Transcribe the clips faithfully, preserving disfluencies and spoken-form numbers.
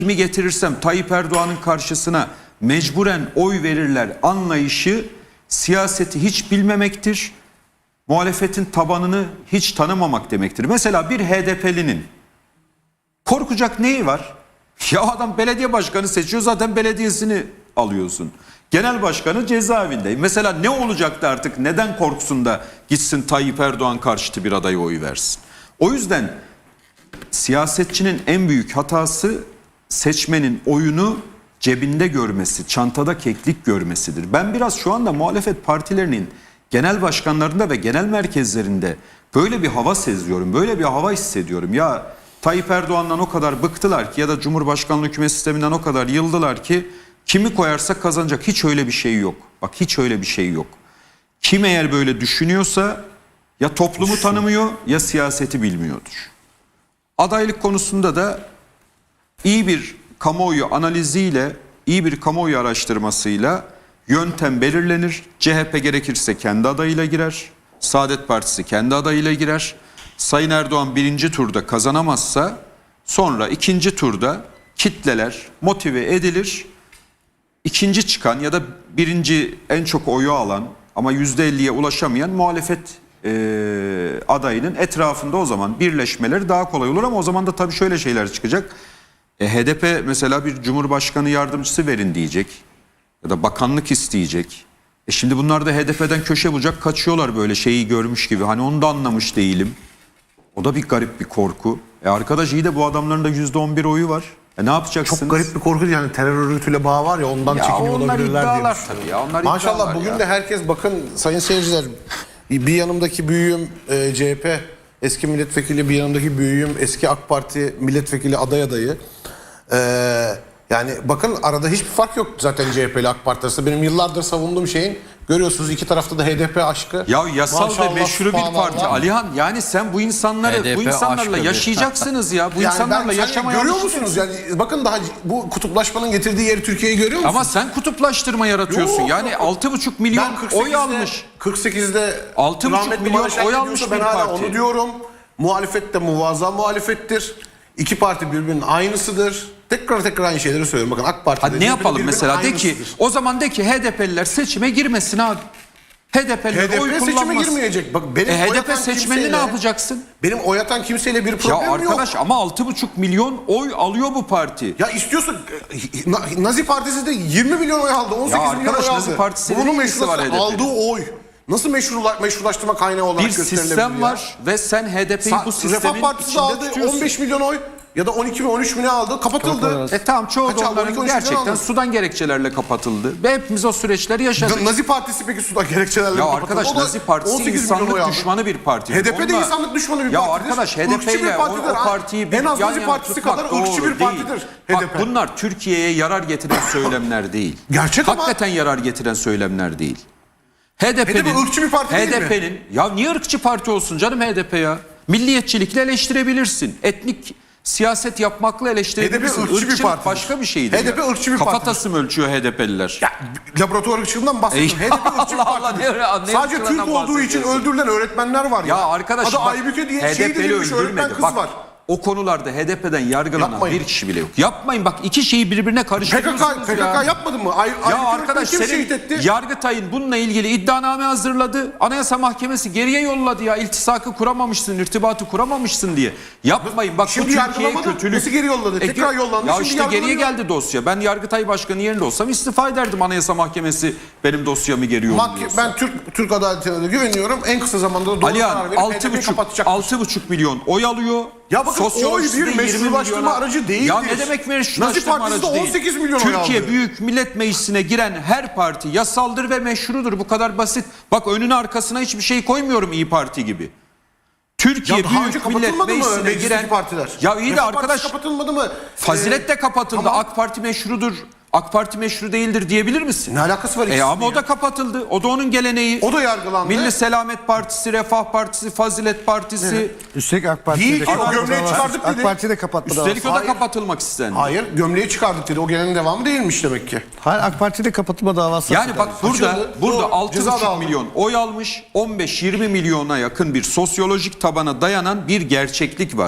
kimi getirirsem Tayyip Erdoğan'ın karşısına mecburen oy verirler anlayışı siyaseti hiç bilmemektir. Muhalefetin tabanını hiç tanımamak demektir. Mesela bir H D P'linin korkacak neyi var? Ya adam belediye başkanı seçiyor, zaten belediyesini alıyorsun. Genel başkanı cezaevinde. Mesela ne olacaktı artık? Neden korksun da gitsin Tayyip Erdoğan karşıtı bir adaya oy versin? O yüzden siyasetçinin en büyük hatası seçmenin oyunu cebinde görmesi, çantada keklik görmesidir. Ben biraz şu anda muhalefet partilerinin genel başkanlarında ve genel merkezlerinde böyle bir hava seziyorum, böyle bir hava hissediyorum. Ya Tayyip Erdoğan'dan o kadar bıktılar ki ya da Cumhurbaşkanlığı hükümet sisteminden o kadar yıldılar ki kimi koyarsak kazanacak. Hiç öyle bir şey yok. Bak hiç öyle bir şey yok. Kim eğer böyle düşünüyorsa ya toplumu tanımıyor ya siyaseti bilmiyordur. Adaylık konusunda da iyi bir kamuoyu analiziyle, iyi bir kamuoyu araştırmasıyla yöntem belirlenir. C H P gerekirse kendi adayıyla girer. Saadet Partisi kendi adayıyla girer. Sayın Erdoğan birinci turda kazanamazsa sonra ikinci turda kitleler motive edilir. İkinci çıkan ya da birinci en çok oyu alan ama yüzde elliye ulaşamayan muhalefet e, adayının etrafında o zaman birleşmeleri daha kolay olur. Ama o zaman da tabii şöyle şeyler çıkacak. E, H D P mesela bir cumhurbaşkanı yardımcısı verin diyecek ya da bakanlık isteyecek. E şimdi bunlar da H D P'den köşe bucak kaçıyorlar böyle şeyi görmüş gibi. Hani onu da anlamış değilim. O da bir garip bir korku. E arkadaş iyi de bu adamların da yüzde on bir oyu var. E ne yapacaksınız? Çok garip bir korku, yani terör örgütüyle bağ var ya, ondan ya çekiniyor olabilirler diye iddialar düşünüyorum. tabii ya, onlar Maşallah iddialar bugün ya. de herkes, bakın sayın seyirciler, bir yanımdaki büyüğüm e, C H P eski milletvekili, bir yanımdaki büyüğüm eski AK Parti milletvekili aday adayı. E, yani bakın arada hiçbir fark yok zaten C H P ile AK Parti arasında. Benim yıllardır savunduğum şeyin, görüyorsunuz iki tarafta da H D P aşkı. Ya yasal Maşallah, ve meşru bir parti subhanallah. Alihan, yani sen bu insanları H D P bu insanlarla aşkı yaşayacaksınız ya. Bu Yani insanlarla ben- yaşamaya görüyor alışacaksınız. musunuz? Yani bakın daha bu kutuplaşmanın getirdiği yeri Türkiye'yi görüyor musunuz? Ama sen kutuplaştırma yaratıyorsun. Yok, Yani yok. altı buçuk milyon Ben kırk sekizde, oy almış. kırk sekizde Altı buçuk rahmetli milyon Barış Akgül oy diyorsa almış ben bir hala parti. onu diyorum. Muhalefet de muvazzam muhalefettir. İki parti birbirinin aynısıdır. Tekrar tekrar aynı şeyleri söylüyorum. Bakın AK Parti Hadi ne yapalım mesela, de ki o zaman de ki H D P'liler seçime girmesin abi. H D P'liler H D oy P seçime kullanmasın. girmeyecek. Bak benim E, H D oy P atan seçmenini kimseyle- ne yapacaksın? Benim oy atan kimseyle bir Ya problemim yok. arkadaş ama altı buçuk milyon oy alıyor bu parti. Ya istiyorsun, Na- Nazi Partisi de yirmi milyon oy aldı. on sekiz milyon arkadaş, oy Nazi aldı. Partisi'yle Bunun ne ilgisi var meşrulaştırma- H D P'nin? aldığı oy nasıl meşrula, meşrulaştırma kaynağı olarak Bir gösterilebilir sistem ya? var ve sen H D P'yi Sa- bu sistemin Refah Partisi de içinde aldı tutuyorsun. on beş milyon oy ya da on iki mi on üç mi ne aldı, kapatıldı. E tamam, çoğu Kaç da aldı? on iki, onların on üç milyon gerçekten aldı. sudan gerekçelerle kapatıldı. Ve hepimiz o süreçleri yaşadık. Nazi Partisi peki sudan gerekçelerle Ya kapatıldı. arkadaş O da Nazi Partisi on sekiz milyon oy insanlık aldı. düşmanı bir parti. H D P de Onunla- insanlık düşmanı bir ya partidir. arkadaş H D Irkçı P bir ile o, partidir. o partiyi bir En az yan Nazi yana Partisi tutmak kadar doğru ırkçı bir değil. partidir H D P. Bak bunlar Türkiye'ye yarar getiren söylemler değil. Gerçek ama- Hakikaten yarar getiren söylemler değil. H D P'nin H D P ırkçı bir parti değil mi? H D P'nin ya niye ırkçı parti olsun canım H D P ya? Milliyetçilikle eleştirebilirsin. Etnik siyaset yapmakla eleştirebilirsin. H D P ırkçı bir Irkçılık partidir. başka bir şeydir. H D P ya. ırkçı bir Kafatası mı ölçüyor H D P'liler? Ya, laboratuvar ırkçılığından bahsediyorum. Ey, H D P ırkçı bir Allah Allah, partidir. ne- ne Sadece ırkçılığından Türk olduğu için bahsediyorsun? öldürülen öğretmenler var ya. Ya arkadaş Adı bak, Aybüke diye H D şehit P'li edilmiş öğretmen öldürmedi. kız Bak, var. o konularda H D P'den yargılanan Yapmayın. bir kişi bile yok. Yapmayın bak, iki şeyi birbirine P K karıştırıyorsunuz K, ya. P K K yapmadı mı? Ay, Ya Aybüke arkadaş öğretmeni kim senin şehit etti? Yargıtay'ın bununla ilgili iddianame hazırladı. Anayasa Mahkemesi geriye yolladı ya. İltisakı kuramamışsın, irtibatı kuramamışsın diye. Yapmayın bak, Şimdi bu Türkiye yargılamadı. kötülük. Nasıl geri yolladı? E, Tekrar yollandı. Ya Şimdi işte geriye yargılanıyor. geldi dosya. Ben Yargıtay Başkanı yerinde olsam istifa ederdim, Anayasa Mahkemesi benim dosyamı geri yolluyorsa. Mahke- ben Türk Türk adaletine de güveniyorum. En kısa zamanda da doğru Alihan karar verip H D altı P'yi buçuk kapatacaktır. altı buçuk milyon oy alıyor. Ya bakın, Sosyolojisi oy bir de yirmi meşrulaştırma milyona- aracı değildir. Ya ne demek Nazi meşrulaştırma Partisi de aracı değil? on sekiz milyon oy Türkiye aldı. Büyük Millet Meclisi'ne giren her parti yasaldır ve meşrudur. Bu kadar basit. Bak önüne arkasına hiçbir şey koymuyorum İyi Parti gibi. Türkiye Ya daha önce Büyük Millet kapatılmadı mı Meclisi'ne meclisteki giren partiler? Ya iyi de Refah arkadaş, Partisi kapatılmadı mı? Fazilet de Ee, kapatıldı. tamam. AK Parti meşrudur. AK Parti meşru değildir diyebilir misin? Ne alakası var E ikisinin ama o ya? da kapatıldı. O da onun geleneği. O da yargılandı. Milli Selamet Partisi, Refah Partisi, Fazilet Partisi. Üstelik AK Parti'de Değil de ki, o kapatma gömleği davası- çıkardık dedi. AK Parti de kapatma davası. Üstelik o da Hayır. kapatılmak istendi. Hayır, gömleği çıkardık dedi. O gelenin devamı değilmiş demek ki. Hayır, AK Parti de kapatma davası. Yani bak burada Açıldı. burada O altı ceza da buçuk aldı. milyon oy almış, on beş yirmi milyona yakın bir sosyolojik tabana dayanan bir gerçeklik var.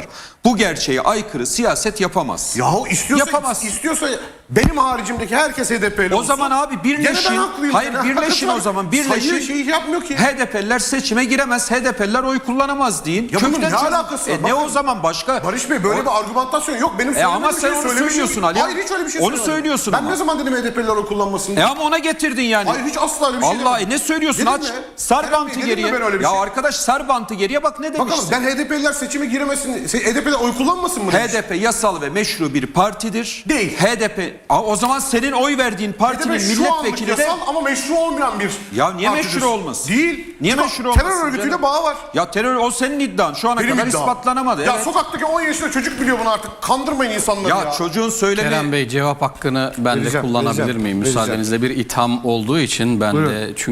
bu gerçeğe aykırı siyaset yapamaz. Yahu istiyorsa, Yapamaz. istiyorsa benim haricimdeki herkes H D P'li O olsun. zaman abi birleşin. Gene ben haklıyım. Hayır Yani birleşin hakikaten o zaman. sayı Birleşin. şeyi yapmıyor ki. H D P'liler seçime giremez. H D P'liler oy kullanamaz deyin. Ya bunun Kökten ne çözün. alakası var? E, ne Bakın, o zaman başka? Barış Bey böyle O- bir argümantasyon yok. Benim E söylediğim ama bir sen şey onu söylemişim. söylüyorsun Ali. Hayır hiç öyle bir şey Onu söylemedim. söylüyorsun Ben ama. ne zaman dedim H D P'liler oy kullanmasın? E ama ona getirdin yani. Hayır hiç asla öyle bir şey Vallahi demedim. ne söylüyorsun? Dedim Aç. mi? Sar Kerem bantı Bey, dedim mi geriye. ben öyle bir Ya şey? arkadaş sar bantı geriye bak ne Bakalım demişsin. ben H D P'liler seçime giremesin, H D P'liler oy kullanmasın mı demiş? H D P yasal ve meşru bir partidir. Değil. H D P Aa, o zaman senin oy verdiğin H D partinin P şu anlık milletvekili de yasal ama meşru olmayan bir Ya niye partidir. meşru olmasın? Değil. Niye Çünkü meşru olmasın terör örgütüyle canım? bağı var. Ya terör o senin iddian. Şu ana Benim kadar iddiam. ispatlanamadı. Ya evet. sokaktaki on yaşında çocuk biliyor bunu artık. Kandırmayın insanları ya. Ya çocuğun söylemi Kerem Bey cevap hakkını ben de Vereceğim, kullanabilir vereceğim, miyim? vereceğim. Müsaadenizle bir itham olduğu için ben Buyurun. de çünkü